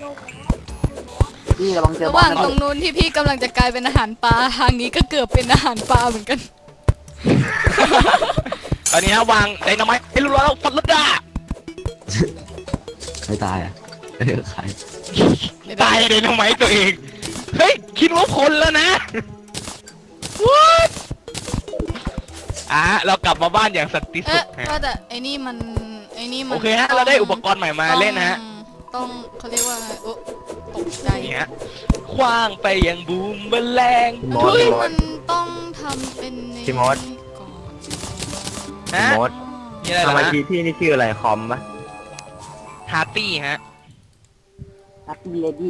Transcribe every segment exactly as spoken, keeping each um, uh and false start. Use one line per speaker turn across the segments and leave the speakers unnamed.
พี่ระวังเจอ
ระ
บ
ห
อ
ว่า
ล
ง
นะ
ตรงนู้นที่พี่กำลังจะกลายเป็นอาหารปลาทางนี้ก็เกือบเป็นอาหารปลาเหมือนกัน
ตอนนี้ฮะวางไดนาไมต์ไอ้ลูกแล้วฟันรถด่า
ใครตายอ่ะเออใคร
ตายไดนาไมต์ตัวเองเฮ้ยคิดว่าคนแล้วนะ What อ่ะเรากลับมาบ้านอย่างสันติสุ
เอ๊ะ
ขฮะ
ว่าแต่ไอ้นี่มันไอ้นี่มัน
โอเคฮะเราได้อุปกรณ์ใหม่มาเล่นนะฮะ
ต้องเขาเรียกว่าไงโอ้ตกใจ
นี่ฮะคว้างไปยังบูมแมลง
มอส
เฮ้ย
มอ
มั
ส
นต้องทำเป็นใน
พี่มด
ก่อน
ฮะ
มด
นี่อะไร
ทำไม
นะ
ทีพี่นี่ชื่ออะไรคอมปะ
ฮาร์ตี้ฮะ
แฮปปี้เลดี้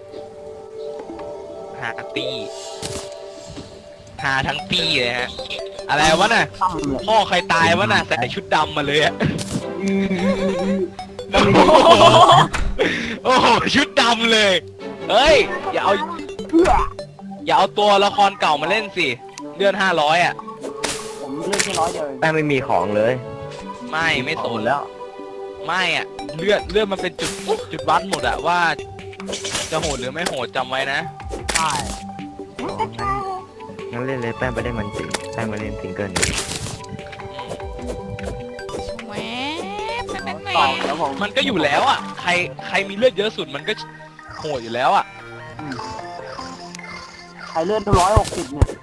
ฮาร์ตี้ฮาทั้งปี้เลยฮะอะไรวะน่ะ
ตั้มเลย
พ่อใครตายวะน่ะใส่ชุดดำมาเลยอะ
ก็มี
โอ้โหโอ้โหชุดดำเลยเฮ้ยอย่าเอา
เพื่อ
อย่าเอาตัวละครเก่ามาเล่นสิเลื่อนห้าร้อยอ่ะ
ผมเลือกแค่ร้อยเดียวเอง
แป้งไม่มีของเลย
ไม่ไม่ส
ของหม
น
ดแล้ว
ไม่อ่ะเลื่อนเลื่อนมันเป็นจุดจุดวัดหมดอะว่า จะโหดหรือไม่โหดจำไว้นะ
ใช่
งั้นเล่นเลยแป้งไปได้มันจริงแป้งมาเล่นซิงเกิลนี้
แหวบแหวบแหว
ต่อบ แล้วผม
มันก็อยู่แล้วอ่ะใครใครมีเลือดเยอะสุดมันก็โหดอยู่แล้วอ่ะ
ใครเลือดร้อยหกสิบเนี่ย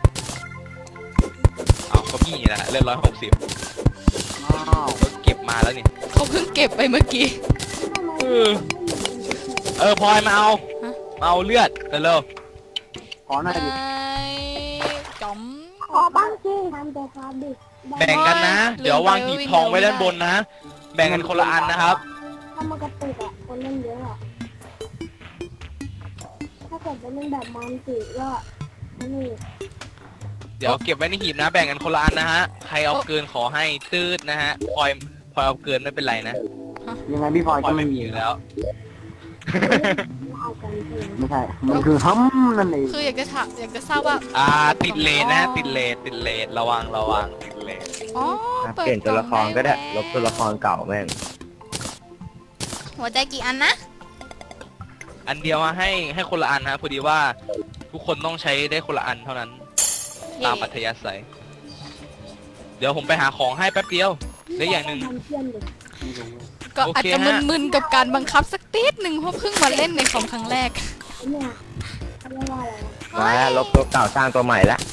เอาก็พี่นี่แหละเลือดร้อยหกสิบ
อ้าว
ก็เก็บมาแล้วนี่
เขาเพิ่งเก็บไปเมื่อกี้
เออเออพลอยมาเอา
ฮะ
มาเอาเลือดเร็ว
ขอหน่อยดิ
จอม
ขอบ้างสิทำแต่ความดิ
แบ่งกันนะ
ลืม
เดี๋ยววาง
ไป
หีบ
วิ่ง
ทองไว้
เร็ว
ด้านบนนะ แบ่งกันคนละอันนะครับ
ถ้ามันกระตุกอ่ะคนเล่นเยอะอ่ะถ้าเกิดเป็นเล่นแบบมันสิก็นี่
เดี๋ยวเก็บไว้ในหีบนะ แบ่งกันคนละอันนะฮะใครเอาเกินขอให้ตืดนะฮะพลอยพลอยเอาเกินไม่เป็นไรนะ
ยังไงพี่พลอย
พลอ
ก็
ย
ไม่
ไม่มี
มี
อยู่แล้ว
เอากันเอง
ไม่ใช่ มันคือฮัมนั่นเอง
คืออยากจะถามอยากจะทราบว่า
อ่าติดเลนนะติดเลนติดเลนระวังระวังติดเลน
อ๋อ
เปลี่ยนตัวละครก็ได้ลบตัวละครเก่าแม่ง
หัวใจกี่อันนะ
อันเดียวมาให้ให้คนละอันนะพอดีว่าทุกคนต้องใช้ได้คนละอันเท่านั้นตามอัธยาศัย เดี๋ยวผมไปหาของให้แป๊บเดียวได้อย่างหนึ่ง
ทำเพื่อนดิ
ก็
โอเค
อาจจะ
ฮะ
มึนๆกับการบังคับสักติดหนึ่งเพราะเพิ่งมาเล่นในคอมครั้งแรก
เนี่ยเขาเรียกว่าอะไรวะ
มาแล้วลบตัวเก่าสร้างตัวใหม่ละ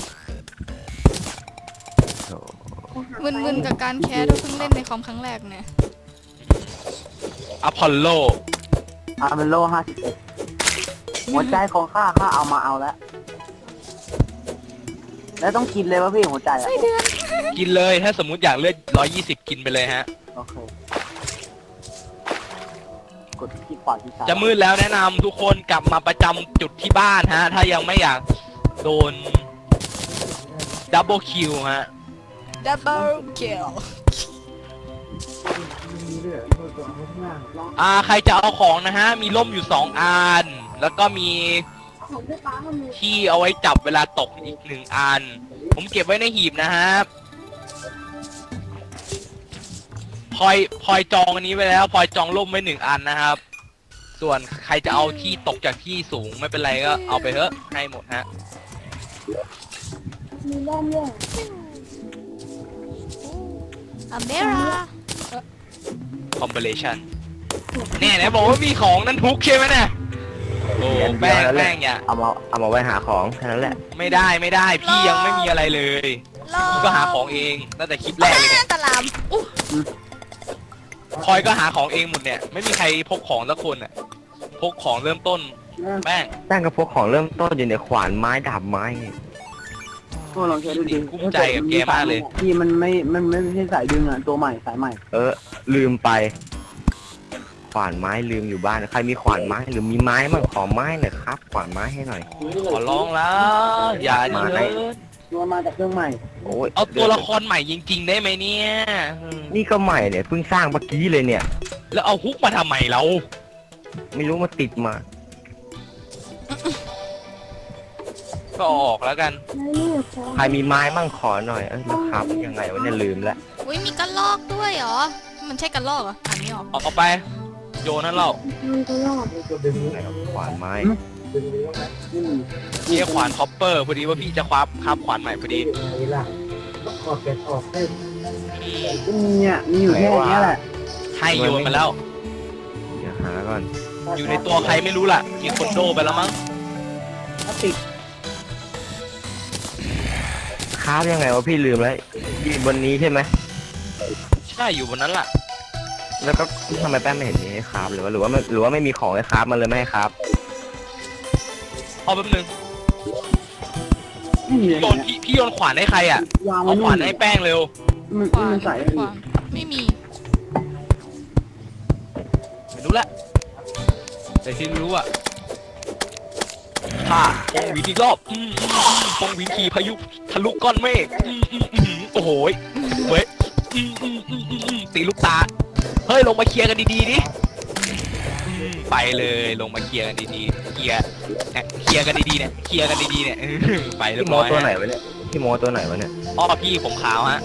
โถ่
ไปหาไป
มึนๆกับการแคสเพราะเพิ่งเล่นในคอมครั้งแรกเนี่ย
อพอลโล
อาร์เมโลห้าสิบเอ็ดหัวใจของข้าข้าเอามาเอาแล้ว แล้วต้องกินเลยวะพี่หัวใจอะ
ไส้เดือน
กินเลยถ้าสมมุติอยากเลือดร้อยยี่สิบกินไปเลยฮะ
โอเค กดที่ขวาที่ซ้าย
จะมืดแล้วแนะนำทุกคนกลับมาประจำจุดที่บ้านฮะ ถ้ายังไม่อยากโดนดับเบิลคิวฮะ
ดับเบิลคิล
อ่าใครจะเอาของนะฮะ มีร่มอยู่สองอัน แล้วก็มี
ของพี่ป้ามันมี
ที่เอาไว้จับเวลาตกอีกหนึ่งอัน ผมเก็บไว้ในหีบนะฮะพลอยพลอยจองอันนี้ไว้แล้วพลอยจองร่มไว้หนึ่งอันนะครับ ส่วนใครจะเอาที่ตกจากที่สูงไม่เป็นไรก็เอาไปเถอะให้หมดฮะ
มีเล่มด้วย
อเมรา
คอมเบเลชันเนี่ยนะบอกว่ามีของนั่นทุกใช่ไหมเนี่ยโอ้แป้งแป้งอย่า
เอามาเอามาไว้หาของแค่นั้นแหละ
ไม่ได้ไม่ได้พี่ยังไม่มีอะไรเลยพี่ก็หาของเองตั้งแต่คลิปแรกเลยเนี่ย
ตะลามอุ๊ย
พลอยก็หาของเองหมดเนี่ยไม่มีใครพกของสักคนอ่ะพกของเริ่มต้นแป้ง
แป้งกับพวกของเริ่มต้นอยู่ในขวานไม้ดาบไม้เนี่ย
ตัวลองใช้ดูดิ
กุ้มใจกับแกมากเลย
พี่มันไม่ มันไม่ใช่สายดึงอ่ะ ตัวใหม่สายใหม่
เออ ลืมไป ขวานไม้ลืมอยู่บ้านใครมีขวานไม้หรือมีไม้มั่งขอไม้หน่อยครับ ขวานไม้ให้หน่อย
ขอร้องแล้วอย่าเย
ไม่
อะ
ตัวมาจากเครื่องใหม่
โอ้ย
เอาตัวละครใหม่จริงๆได้ไหมเนี่ยอืม
นี่ก็ใหม่เนี่ยเพิ่งสร้างเมื่อกี้เลยเนี่ย
แล้วเอาฮุกมาทำไมเรา
ไม่รู้มาติดมา
ก็เอาออกแล้วกัน
แล้วนี่ขอ
ใครมีไม้มั่งขอหน่อย เอ้ยแล้วครับยังไงวะเนี่ยลืมแล้ว
อุ้ยมีกระลอกด้วยเหรอ มันใช่กระลอกเหรออ่านไม่ออก
เอาเอาไปโยนนั่นเรา
มันก็รอด
ไหนครับขวานไม้
อืม
เกียร์ขวานคอปเปอร์พอดีว่าพี่จะคว้าคาบขวานใหม่พอดี
เนี่ยมีอยู่แค่เนี้ยแหละ
ให้โยนมาแล้ว
เดี๋ยวหาก่อน
อยู่ในตัวใครไม่รู้ล่ะมีคนโดไปแล้วมั้ง
พลาสติก
คราฟยังไงวะพี่ลืมแล้วอยู่บนนี้ใช่ไหม
ใช่อยู่บนนั้นล่ะ
แล้วก็ทำไมแป้งไม่เห็นมีให้คราฟเลยวะหรือว่าไม่หรือว่าไม่มีของให้คราฟมันเลยไม่ให้คราฟ
เอาแป๊บนึง
ไม่มี
โยนพี่พี่โยนขวานให้ใครอ่ะ
วางไว้
เอาข
นู่
วาน นให้แป้งเร็ว
มัน
ขวาน
มันใส่
ขวานไม่มี
ไม่รู้ละแต่ที่รู้อ่ะค่ะปงวินอีกรอบอืมอืมอืมปงวินขี่พายุทะลุก้อนเมฆอืมอืมอืมโอ้โหยเว้ยอืมอืมอืมอืมอืมตีลูกตาเฮ้ยลงมาเคลียร์กันดีๆดิอืมไปเลยลงมาเคลียร์กันดีๆเคลียร์เนี่ยเคลียร์กันดีๆเนี่ยเคลียร์กันดีๆเนี่ย ไปเรีย
พี่
บ
โม
ร้อย
ตัวไหน
ฮะ
วะเนี่ยพี่โมตัวไหนวะเนี่ย
พ่อพี่ผมขาวฮะ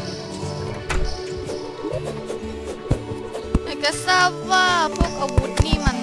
อยากจะทราบว่าพวกอาวุธนี่มัน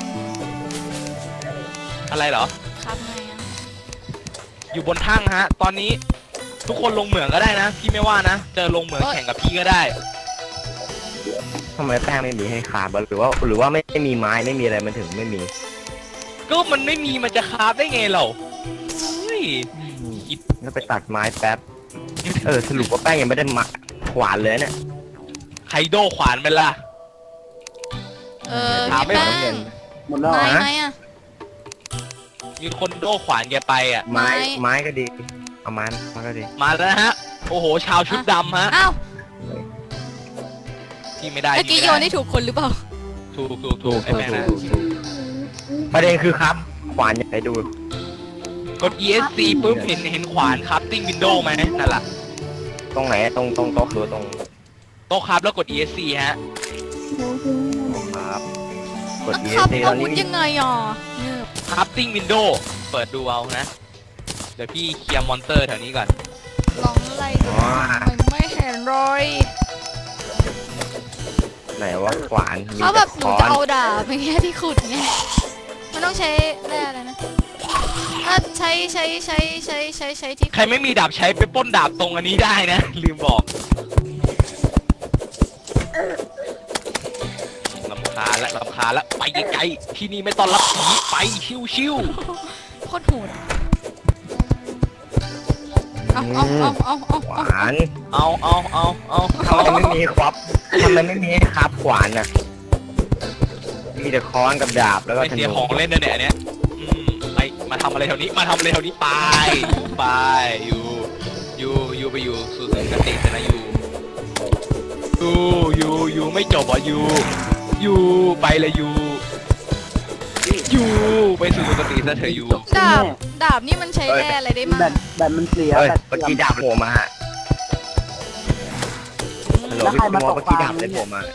อะไรเหรอ
ครับไงอะ
อยู่บนทั่งฮะ ตอนนี้ทุกคนลงเหมืองก็ได้นะ พี่ไม่ว่านะ จะลงเหมืองแข่งกับพี่ก็ได้
ทำไมแป้งไม่มีให้คราฟวะหรือว่าหรือว่าไม่ไม่มีไม้ไม่มีอะไรมันถึงไม่มี
ก็มันไม่มีมันจะคราฟได้ไงเราเฮ้ย
แล้วไปตัดไม้แป๊บเออสรุปว่าแป้งยังไม่ได้มาขวานเลยเนี่ย
ไคโดขวานไปละ
เออ
ถาม
พี่
ไม่
แป้
เหมือน
ง
หมดแล้ว
ไม้
เหรอ
ไหมอะ
มีคนโดขวานแกไปอ่ะ
ไม้
ไม้
ไม้ก็ดีเอาไม้มาก็ดี
มาแล้วนะฮะ โอ้โห ชาวชุดดำฮะ
อ้าว
พี่ไม่ได้
เมื่อกี้
พี่
โย
ไม่
น
ได้
ได้ถูกคนหรือเปล่า
ถูกถูกถูกไอ้แม่งนะ
ประเด็นคือครับ ขวานอยากให้ดู
กด อี เอส ซี ปุ๊บเห็นเห็นขวานครับติ้งวินโดว์ไหมนั่นแหละ
ตรงไหนตรงตรงโต๊ะหรือตรง
โต๊ะครับแล้วกด อี เอส ซี ฮะ
ครับกด
แล้ว
E
ครับ
S C ต
อา
อน
วุ
นี้
ธยังไงอ่ะเนี่ย
ครับติ้งวินโดว์เปิดดูเอานะ เดี๋ยวพี่เคลียร์มอนเตอร์แถวนี้ก่อน
ลองไล่ดูมันไม่เห็นรอย
ไหนว่าขวานมี
เขาแบ
แต่
บห
ค้
นู
อ
จะ
น
เอาดาบอย่างเงี้ยที่ขุดไงมันต้องใช้แร่อะไรนะถ้าใช้ใช้ใช้ใช้ใช้ใช้ที่
ใครไม่มีดาบใช้ไปปล้นดาบตรงอันนี้ได้นะ ลืมบอกลำคาญและลำคาญและไปไกลๆที่นี่ไม่ต้อนรับผีไปชิว
โคตรโหดเอาเอาเอาเอาเอา
ข
เอา
วาน
ๆเอาเอาเอาเอา
ทำไมไม่มีครับทำไมไม่มีให้ครับขวานน่ะมีแต่ค้อนกับดาบแล้วก็
ไม่
ธ
เสีย
นู
ของเล่นนะเนี่ยอันเนี้ยอืมไปมาทำอะไรแถวนี้มาทำอะไรแถวนี้ไปไปอยู่อยู่อยู่ไปอยู่สู่สุคตินะอยู่อยู่อยู่อยู่ไม่จบอ่ะอยู่อยู่ไปเลยอยู่อยู่ไปสู่สุคติซะเถอะอยู่
ดาบดาบนี่มันใช้แร่อะไรได้มั่ง
แบตแบตมันเสีย
เฮ้ย
แบต
เมื่อกี้ดาบโผล่มาฮะฮัลโหล
แล้ว
พี่
ใคร
โม
มาตก
เมื่อกี้
ปลา
ดาบอะไรโผล่มา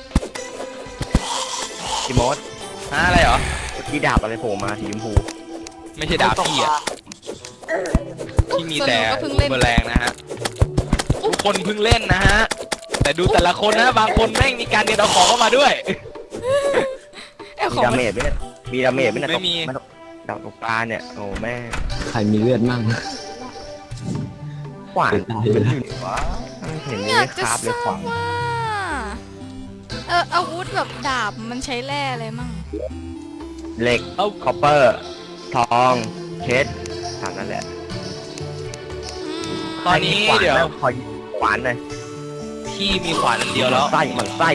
พี่โมด
ฮะอะไรเหรอ
เมื่อกี้ดาบอะไรโผล่มาสีชมพู
ไม่ใช่ดาบพี่อ่ะที่มีแต่บูมเบอร์แรงนะฮะทุกคนเพิ่งเล่นนะฮะแต่ดูแต่ละคนนะบางคนแม่งมีการเดินเอาของเข้ามาด้วย
ไอ้
มี
ของ
ดาเมจไหมเนี่ยมีดาเมจไหมเนี่ย
ไม่มี
ตกดาบตกปลาเนี่ยโอ้แม่
ใครมีเลือดมั่ง
ขวาน
ตายไปแล้ว
อยู่ไหนวะไม่เห็นมี
อยาก
ค
จะ
ราบ
ท
เลย
รา
ขวา
บ
น
ว่าเอออาวุธแบบดาบมันใช้แร่อะไรมั่ง
เหล็ก
เอา
คอปเปอร์ ทองเพชรถามนั่นแหละ
อืม
ตอนนี้
ใครมีขวา
เดี๋ยว
แล้วขอขวานหน่อย
พี่มีขวานอันเดียวแล้ว
ไส้มันไส้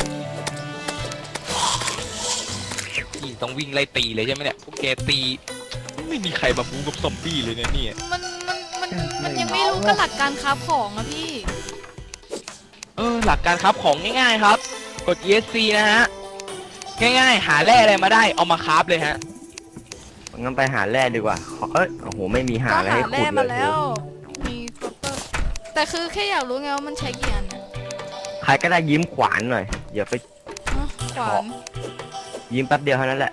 พี่ต้องวิ่งไล่ตีเลยใช่ไหมเนี่ยพวกแกตี ไม่มีใครมาบู๊กับซอมบี้เลยเนี่ยเนี่ย
มันมันมันมันยังไม่รู้กันหลักการคราฟของอะพี่
เออหลักการครับของง่ายๆครับ กด อี เอส ซี นะฮะ ง่ายๆ หาแร่อะไรมาได้เอามาคราฟเลยฮะ
งั้นไปหาแร่ดีกว่าขอเอ้ยโอ้โหไม่มีหา
ก็
อะไร
หา
ให้ขุ
แร่
ดเล
มาย แล้ว มีครอปเปอร์แต่คือแค่อยากรู้ไงว่ามันใช้กี่อันอะ
ใครก็ได้ยิ้มขวานหน่อยอย่าไป
ฮะขวาน
ยิ้มแป๊บเดียวเท่านั้นแหละ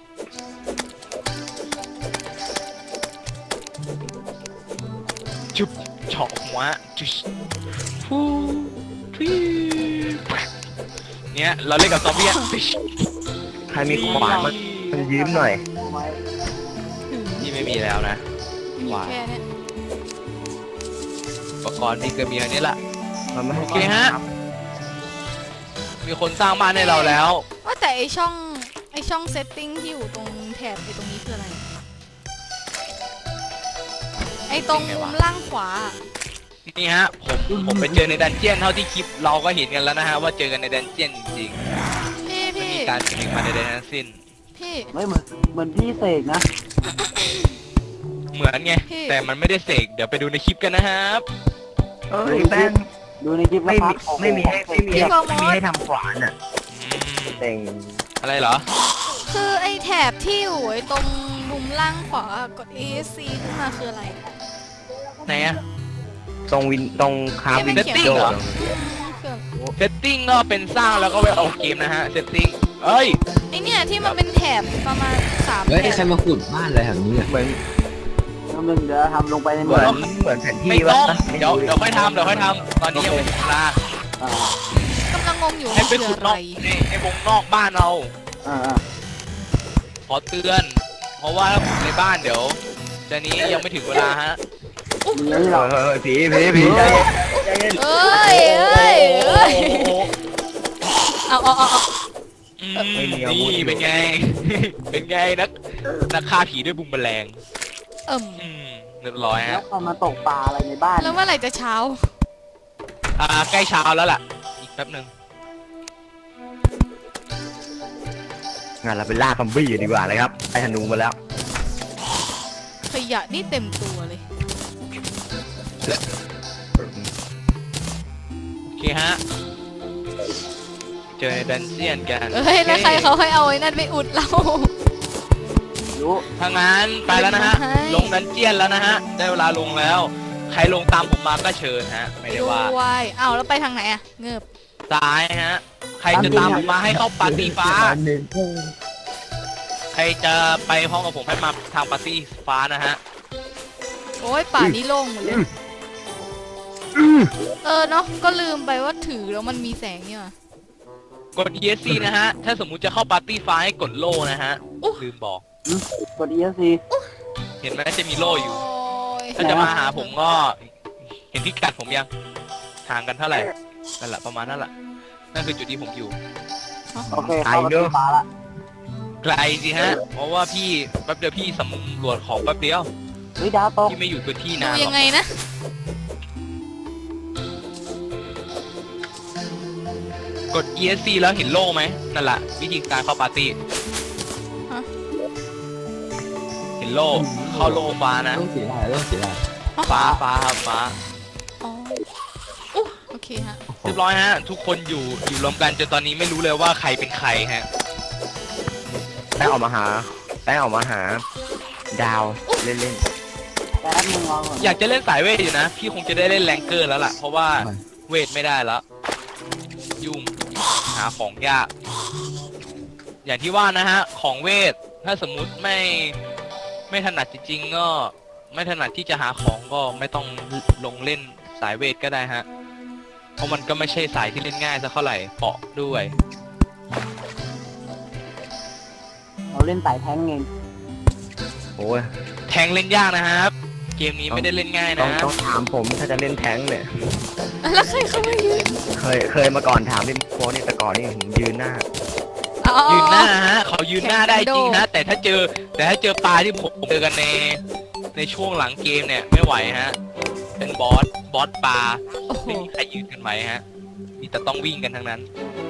จุบเฉาะหัวจุชฟูทวีเนี่ยเราเล่นกับซอมบี้อะฟิช
ใครรมีขวานมันมันยืมหน่อย
ไว้
ที่ไม่มีแล้วนะ
มีแค่เนี้ย
อุปกรณ์มีก็มีอันนี้ละ
มันไม่ให้
โอเคฮะ มีคนสร้างบ้านให้เราแล้ว
ว่าแต่ไอช่องไอช่องเซตติ้งที่อยู่ตรงแถบไอตรงนี้คืออะไร ไอตรงมุมล่างขวา
นี่ฮะผมผมไปเจอในดันเจียนเท่าที่คลิปเราก็เห็นกันแล้วนะฮะว่าเจอกันในดันเจียนจริง
พี่
ๆไม่
พี่
มีการสลิงมาในใดทั้งสิ้น
พี่
ไม่เหมือนเหมือนพี่เสกนะ
เหมือนไง
พี่
แต่มันไม่ได้เสกเดี๋ยวไปดูในคลิปกันนะครับ
เอ้ยแป้ง
ดูในคลิปแล้
ไม่
วครั
มี
บโอ้โห
ไม่มีให้ไม่มีให้ไม่มีให้ทำขวานอ่ะ
อืม
เต็ง
อะไรเหรอ
คือไอแถบที่อยู่ไอตรงมุมล่างขวากด เอ เอส ซี ขึ้นมาคืออะไร
ไหนอะ
ตรงวินตรงคาวิน
เขียน
โด
เหรอ
คือ
เซตติ้งก็เป็นสร้างแล้วก็ไปเอาเกมนะฮะเซตติ้งเอ้ย
ไอเนี่ยที่มันเป็นแถบประมาณสาม
เฮ้ย
แถ
ใคร
บ
มาขุดบ้านอะไรแถวนี้อ่ะ
เหมือน
น้ำหนึ่งเดี๋ยวทำลงไปใน
เห
เมื
มื
อ
อง นเหมือนแผนที่
ไม่ต้อง
วะ
เดี๋ยวเดี๋ยวค่อยทำเดี๋ยวค่อยทำตอนนี้ยังไม่ถึงเวลา
อ่าก
ำลังงงอยู่
ให้
ว่า
ไป
คือ
ขุด
อะ
น
ไร
อกในในวงนอกบ้านเรา
อ่า
ขอเตือน เพราะว่าถ้าขุดในบ้านเดี๋ยวจะนี้ยังไม่ถึงเวลาฮะ
มีอะไรหรอ
เออผีผีผีใจเย็นใจเย็น
เอ้ยเอ้ยเอ้ยเอาเอาเอาเอา
อืมนี่เป็นไง เป็นไงนักนักฆ่าผีด้วยบุมแมลง
เอิ่ม
อืมเรียบร้อย
แล้ว
ฮะ
ใครมาตกปลาอะไรในบ้าน
แล้วเมื่อไหร่จะเช้า
อ่าใกล้เช้าแล้วล่ะ อีกแป๊บหนึ่ง
งั้นเราไปล่าซอมบี้ดีกว่าเลยครับไอ้ธนูมาแล้ว
ขยะนี่เต็มตัวเลย
โอเคฮะ เจอในดันเจียนกัน
เอ้ยแล้วใครเขาให้เอาไอ้นั่นไปอุดเรา
รู้
ถ้างั้นไปแล้วนะฮะ
ให้
ลงดันเจียนแล้วนะฮะ ได้เวลาลงแล้ว ใครลงตามผมมาก็เชิญฮะ ไม่ได้ว่า
ด้วยอ้าวแล้วไปทางไหนอะเงือบ
ซ้ายฮะ ใครจะตามผมมาให้เข้าปาร์ตี้ฟ้า ใครจะไปพร้อมกับผมให้มาทางปาร์ตี้ฟ้านะฮะ
โอ้ยป่านี้โล่งหมดเลย เออเนาะก็ลืมไปว่าถือแล้วมันมีแสงนี่หว่ะ
กด อี เอส ซี นะฮะ ถ้าสมมุติจะเข้าปาร์ตี้ฟ้าให้กดโล่นะฮะ
อุ๊ย
ลืมบอก
กด อี เอส ซี
เห็นไหมจะมีโล่อยู่
โอ้ย
ถ้าจะมาหาผมก็ เห็นพิกัดผมยัง ห่างกันเท่าไหร่ นั่นแหละประมาณนั่นแหละ นั่นคือจุดที่ผมอยู่
โอเคเข้าปลาที่ปลาละ
ไกลสิฮะ เพราะว่าพี่แป๊บเดียวพี่สำรวจของแป๊บเดียว
เฮ้ยดาวตก
พี่ไม่อยู่พื้นที่
ดู
นานหร
ยั
อก
งไงนะ
กด อี เอส ซี แล้วเห็นโล่ไหมนั่นแหละวิธีการเข้าปาร์ตี้
ฮะ
เห็นโล่เข้าโล่ฟ้านะ
ต้องสีอะไรต้องสีอะไร
ฟ้าฟ้าครับฟ้า
อ๋ออุ๊ยโอเคฮะ
เรียบร้อยฮะ ทุกคนอยู่อยู่รวมกันจนตอนนี้ไม่รู้เลยว่าใครเป็นใครฮะ
แป้งออกมาหาแป้งออกมาหา ดาวเล่นเล่น
แป๊บนึงรอก่อน
อยากจะเล่นสายเวทอยู่นะ พี่คงจะได้เล่นแรงเกอร์แล้วล่ะ เพราะว่าเวทไม่ได้แล้ว ยุ่งหาของยาก อย่างที่ว่านะฮะ ของเวท ถ้าสมมุติไม่ไม่ถนัดจริงๆก็ไม่ถนัดที่จะหาของก็ไม่ต้องลงเล่นสายเวทก็ได้ฮะ เพราะมันก็ไม่ใช่สายที่เล่นง่ายสักเท่าไหร่เปาะด้วย
เราเล่นสายแท้งเอง
โอ้ย
แทงเล่นยากนะครับ เกมนี้ไม่ได้เล่นง่าย
ต้อ
นะ
งต้องถามผมถ้าจะเล่นแท้งเนี่ย
แล้วใครเขามายืน
เคยเคยมาก่อนถามเล่นโค้ดนี่แต่ก่อนนี่ผมยืนหน้า
อ๋อ
ยืนหน้าฮะเขายืนหน้าได้จริง
แข่ง
ฮะ แต่ถ้าเจอแต่ถ้าเจอปลาที่ผมเจอกันในในช่วงหลังเกมเนี่ยไม่ไหวฮะ เป็นบอสบอสปลา
โอ้โห
ไม่มีใครยืนกันไหวฮะมีแต่ต้องวิ่งกันทั้งนั้น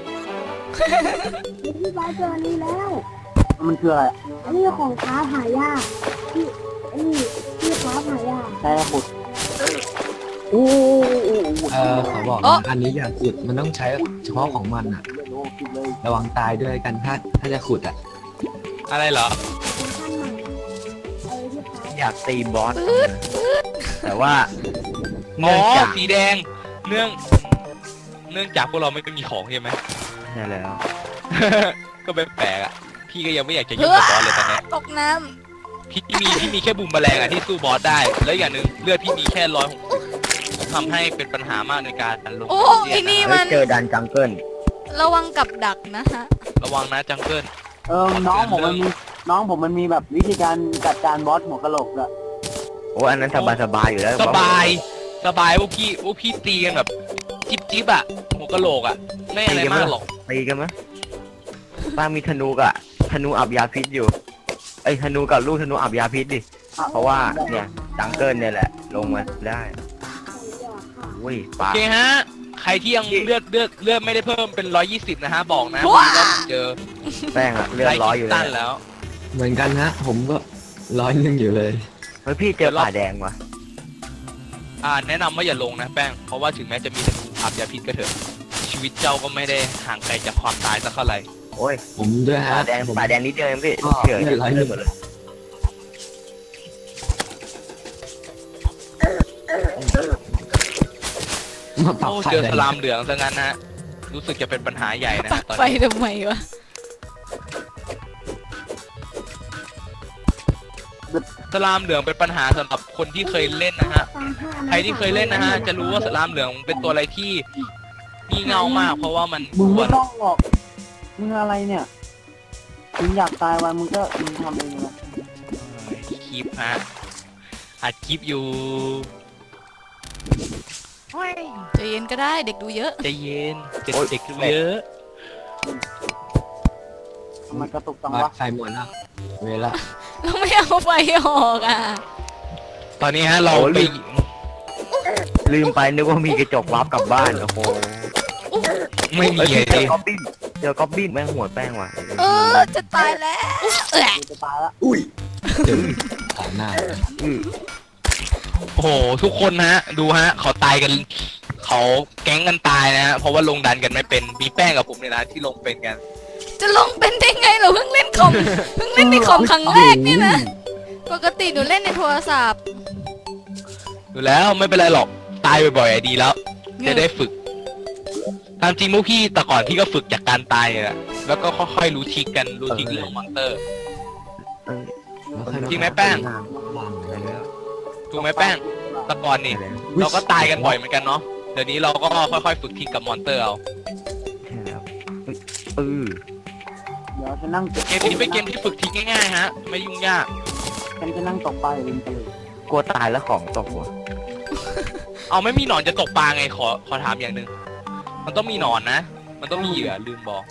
พี่บาสเจออันนี้แล้ว
มันคืออะไร
อันนี้ของค้าหายากที่อันนี้ที่ค้าหายาก
แช่ขุดโอ้โห
เออขอบอกนะอันนี้อย่าขุดมันต้องใช้เฉพาะของมันอ่ะ
เลยโอ้คิดเลย
ระวังตายด้วยกันถ้าถ้าจะขุดอ่ะ
อะไรเหรอ
ขั้นใหม่เออที่ค้า
อยากตีบอสแต่ว่า
อ๋
เนื่
อ
องจาก
สีแดง เนื่อง เนื่องจากพวกเราไม่มีของใช่ไหม
ใช่แล้ว
ก็ไม่แปลกอ่ะ พี่ก็ยังไม่อยากจะยุ่งกับบอสเลยตอนเนี้ย
ตกน้
พี่มีพี่มีแค่บุมแมลงอ่ะที่สู้บอสได้ แล้วอย่างหนึ่งเลือดพี่มีแค่ร้อยหกทำให้เป็นปัญหามากในการลง
ำโอ้
เสีย
ไอ้นี่
นะ
มัน
เจอดันจังเกิล
ระวังกับดักนะฮะ
ระวังนะจังเกิล
เออน้องผมมันมีน้องผมมันมีแบบวิธีการจัดการบอสหัวกะโหลกอะ
โอ้อันนั้นสบายสบายอยู่แล้ว
สบายสบายพวกพี่พวกพี่ตีกันแบบจิ๊บจิ๊บอะหัวกะโหลกอะไม่อะไรมากหรอก
ตีกันมั้ยป้ามีธนูกะธนูอับยาพิษอยู่ไอ้ยธนูกับลูกธนูอับยาพิษดิเพราะว่าเนี่ยดังเกิลเนี่ยแหละลงมาได้อุ้ย
โอ
ปา
เคฮะใครที่ยังเลือดเลือดเลือดไม่ได้เพิ่มเป็นร้อยยี่สิบนะฮะบอกนะ
ว้า
ว่าเจอ
แป้งอะเลือดร้อยอยู่
ไคิด
เล
ตัน
ย
แล้ว
เหมือนกันฮะ ผมก็ร้อยหนึงอยู่เลย
เฮ้ยพี่เจอป่าแดงว่ะ
อ่าแนะนำว่าอย่าลงนะแป้งเพราะว่าถึงแม้จะมีธนูอับยาพิษก็เถอะชีวิตเจ้าก็ไม่ได้ห่างไกลจากความตายสักเท่าไหร่
โอ้ย
ผมด้วยฮะ
ป่าแดง
ผม
ป่าแดงนิดเดียวเองพี่
ก็
เฉย
เลือดร้อยหนึ่ง
หมดเลย
มาปรับ
โอ้
ไฟ
เจอ
เลย
สลามเหลืองซะงั้นนะรู้สึกจะเป็นปัญหาใหญ่นะ
ปั
ฮะ
ก
ตอน
ไฟ
นี้
ทำไมวะ
สลามเหลืองเป็นปัญหาสำหรับคนที่เคยเล่นนะฮะใครที่เคยเล่นนะฮะจะรู้ว่าสลามเหลืองเป็นตัวอะไรที่งี่เง่ามาก เพราะว่ามัน
มึง
กว
ไม่
น
ต้องหรอกมึงอะไรเนี่ยมึงอยากตายวันมึงก็มึงทำเองนะ
คลิปฮะอัดคลิปอยู่
ใจเย็นก็ได้เด็กดูเยอะ
ใจเย็นเจ็ดเด็กดูเยอะ
ทำไมกระตุกจัง
ปลั
วะ
กไฟหมดแล้วเวลา
เราไม่เอาไฟออกอ่ะ
ตอนนี้ฮะเราไป
ลืมไปนึกว่ามีกระจกวาร์ปกลับบ้านโอ้โห
ไม่มี
เอ้ย
เล
เจอย ก๊อบบี้เจอก๊อบบี้แม่งหัวแป้งว่ะ
เออจะตายแล้วเออ
กูจะตายละ
อุ้ยเจอขางหน้า
อือ
โอ้โหทุกคนฮะ ดูฮะเขาตายกันเขาแก๊งกันตายนะฮะเพราะว่าลงดันกันไม่เป็นมีแป้งกับผมเนี่ยนะที่ลงเป็นกัน
จะลงเป็นได้ไงเราเพิ่งเล่นคอมเพิ่งเล่นในคอมครั้งแรกเนี่ยนะปกติหนูเล่นในโทรศัพท์
ดูแล้วไม่เป็นไรหรอกตายบ่อยๆอะดีแล้ว จะได้ฝึกตามจริงพวกพี่แต่ก่อนพี่ก็ฝึกจากการตายอะแล้วก็ค่อยๆรู้ทริกกันรู้ทริกเรื่องมอนเตอร์
เออ
จริงไหมแป้ง
วางอะไรแล้ว
ถูกไหมแป้งแต่ก่อนนี่เราก็ตายกันบ่อยเหมือนกันเนาะเดี๋ยวนี้เราก็ค่อยๆฝึกทริกกับมอนเตอร์เอา
ใช่แล้วเออ
เดี๋ยวจะนั่ง
เกมนี้เป็นเกมที่ฝึกทริกง่ายๆฮะไม่ยุ่งยาก
ฉันจะนั่งตกปลาอยู่ริมทะเล
กลัวตายแล้วของตกว่ะ
เอาไม่มีหนอนจะตกปลาไงขอขอถามอย่างหนึ่งมันต้องมีหนอนนะ มันต้องมีเหยื่อลืมบอก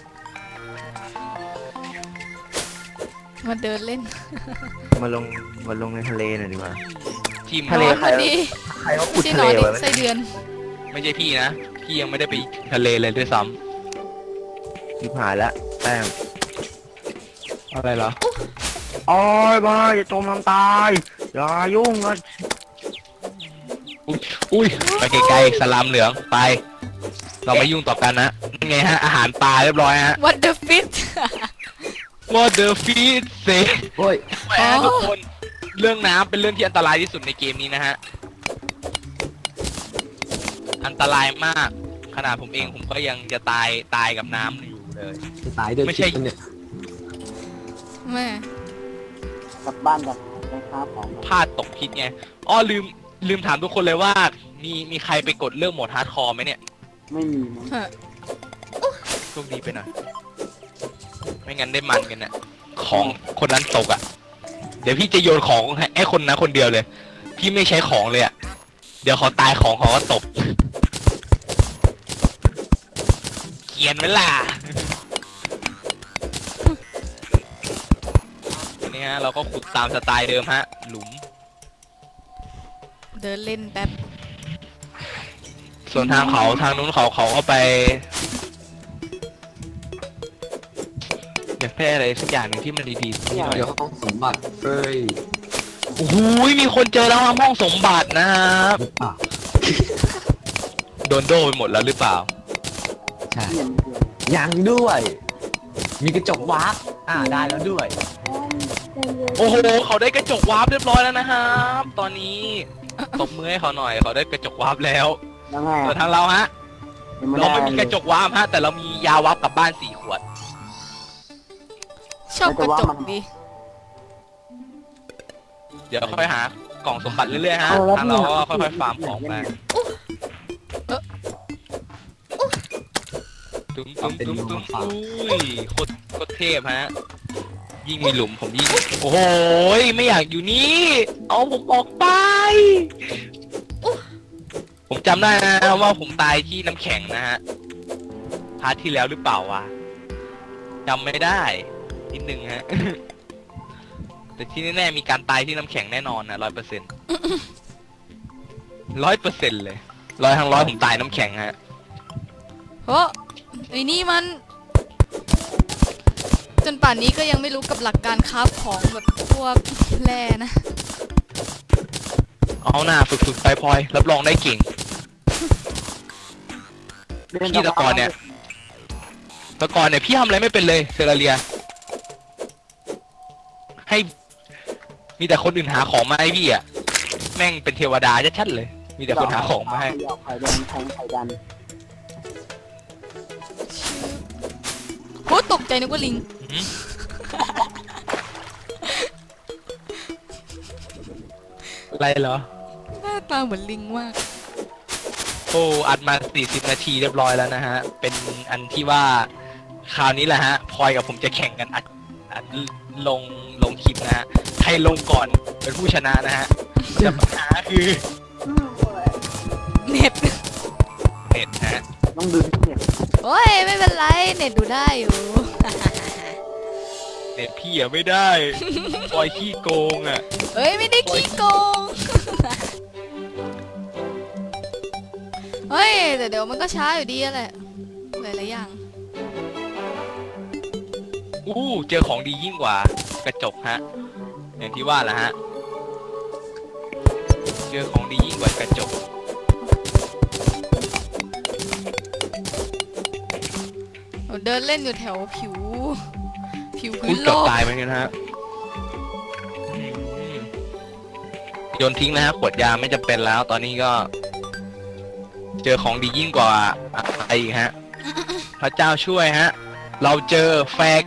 มาเดินเล่น
มาลงมาลงในทะเลหน่อยดีกว่า
ทีม
ทะเล
นอนพอดี
ใครเขาขุด
ที่
ทะ
น
เล
อนดิ
ไว้
ไส้เดือน
ไม่ใช่พี่นะพี่ยังไม่ได้ไปทะเลเลยด้วยซ้
ชิบหายแล้วแป้ง
ำอะไรเหรอ
โอ้ยบ้าอย่าจมน้ำตายอย่ายุ่งกัน
อุ้ยอุ้ยไปไกลๆสลามเหลืองไป เราไม่ยุ่งต่อกันนะนั่นไงฮะอาหารปลาเรียบร้อยฮะ
What the fit
What the fish say
โอ้ย
แหมทุกคนเรื่องน้ำเป็นเรื่องที่อันตรายที่สุดในเกมนี้นะฮะอันตรายมากขนาดผมเองผมก็ยังจะตายตายกับน้ำอยู่เลย
จะตายด้วย
ไม่ใช่
พิษปะเนี่ย
แม่
กลับบ้านกันไปค้าของ
พลาดตกพิษไงอ้อลืมลืมถามทุกคนเลยว่า มีมีใครไปกดเรื่องโหมดฮาร์ดคอร์ไหมเนี่ย
ไม่มีมั้ง
เฮ้อ
โชคดีไปหน่อยไม่งั้นได้มันกันน่ะของคนนั้นตกอ่ะ เดี๋ยวพี่จะโยนของให้ไอ้คนนั้นคนเดียวเลย พี่ไม่ใช้ของเลยอ่ะ เดี๋ยวเขาตายของเขาก็ตกเขียนไว้ล่ะอันนี้ฮะเราก็ขุดตามสไตล์เดิมฮะ หลุม
เดินเล่นแป๊บ
ส่วนทางเขาทางนู้นเขาเขาก็ไปอยากได้อะไรสักอย่างหนึ่งที่มันดีๆที่หน่อย
เดี๋ยวห้องสมบัติเอ้ย
โอ้โหมีคนเจอแล้วห้องสมบัตินะครับ
หรือเปล่า
โดนโดไปหมดแล้วหรือเปล่า
ใช่
เปลี่ยนเปลี่ยน
ยังด้วย มีกระจกวาร์ปอ่าได้แล้วด้วย
โอ้โหเขาได้กระจกวาร์ปเรียบร้อยแล้วนะครับตอนนี้ตบมือให้เขาหน่อยเขาได้กระจกวาร์ปแล้ว
ยังไง
ส่วน
อะ
ทางเราฮะ
ยัง
เราไม่
ด้
มีกระจกวาร์ปฮะแต่เรามียาวาร์ปกลับบ้านสี่ขวด
ชอบกระจกดี
เดี๋ยวค่อยหากล่องสมบัติเรื่อยๆฮะ
เออแล้ว
ทางเราก็ค่อยๆฟาร์มของไปตุ้มตุ้มตุ้มตุ้มอุ้ยโคตรโคตรเทพฮะยิ่งมีหลุมผมยิ่งโอ้โหไม่อยากอยู่นี่เอาผมออกไป ผมจำได้นะว่าผมตายที่น้ำแข็งนะฮะพาร์ทที่แล้วหรือเปล่าวะจำไม่ได้นิดนึงฮะ แต่ที่แน่ๆมีการตายที่น้ำแข็งแน่นอนนะร้อยเปอร์เซ็นต์ร้อยเปอร์เซ็นต์เลยร้อยทั้งร้อยผมตายน้ำแข็งฮะ
โอ้ไอ้นี่มัน จนป่านนี้ก็ยังไม่รู้กับหลักการคราฟของแบบพวกแร่นะ
เอาหน้าฝึกๆไปพลอยรับรองได้เก่งพี่ตะกอนเนี่ยตะกอนเนี่ยพี่ทำอะไรไม่เป็นเลยเซราเลีย ให้มีแต่คนอื่นหาของมาให้พี่อ่ะแม่งเป็นเทวดาชัดๆเลย มีแต่คนหาของมาให้
ไข่แดงแทงไข่ดัน
โหตกใจนึกว่าลิง
หืม อะไรเหรอ
หน้าตาเหมือนลิงมาก
โอ้อัดมาสี่สิบนาทีเรียบร้อยแล้วนะฮะเป็นอันที่ว่าคราวนี้แหละฮะพลอยกับผมจะแข่งกันอัดอัดลงลงคลิปนะฮะใครลงก่อนเป็นผู้ชนะนะฮะแต่ปัญหาคือ
เน็ต
เน็ตฮะ
ต้องดึงที่เนี่ย
โอ้ยไม่เป็นไร เน็ตดูได้อยู่
เน็ตพี่อะไม่ได้พลอยขี้โกงอะ
เฮ้ยไม่ได้ขี้โกง เฮ้ยแต่เดี๋ยวมันก็ช้าอยู่ดีแหละหลายๆอย่าง
อู้เจอของดียิ่งกว่ากระจกฮะอย่างที่ว่าแหละฮะเจอของดียิ่งกว่ากระจก
เดินเล่นอยู่แถวผิว ผิวพื้
พูด
นโล
เกือบ
ก
ตายเหมือนกันฮะอืมโยนทิ้งนะฮะขวดยาไม่จำเป็นแล้ว ตอนนี้ก็ เจอของดียิ่งกว่าอะไรอีกฮะ พระเจ้าช่วยฮะ เราเจอแฟร์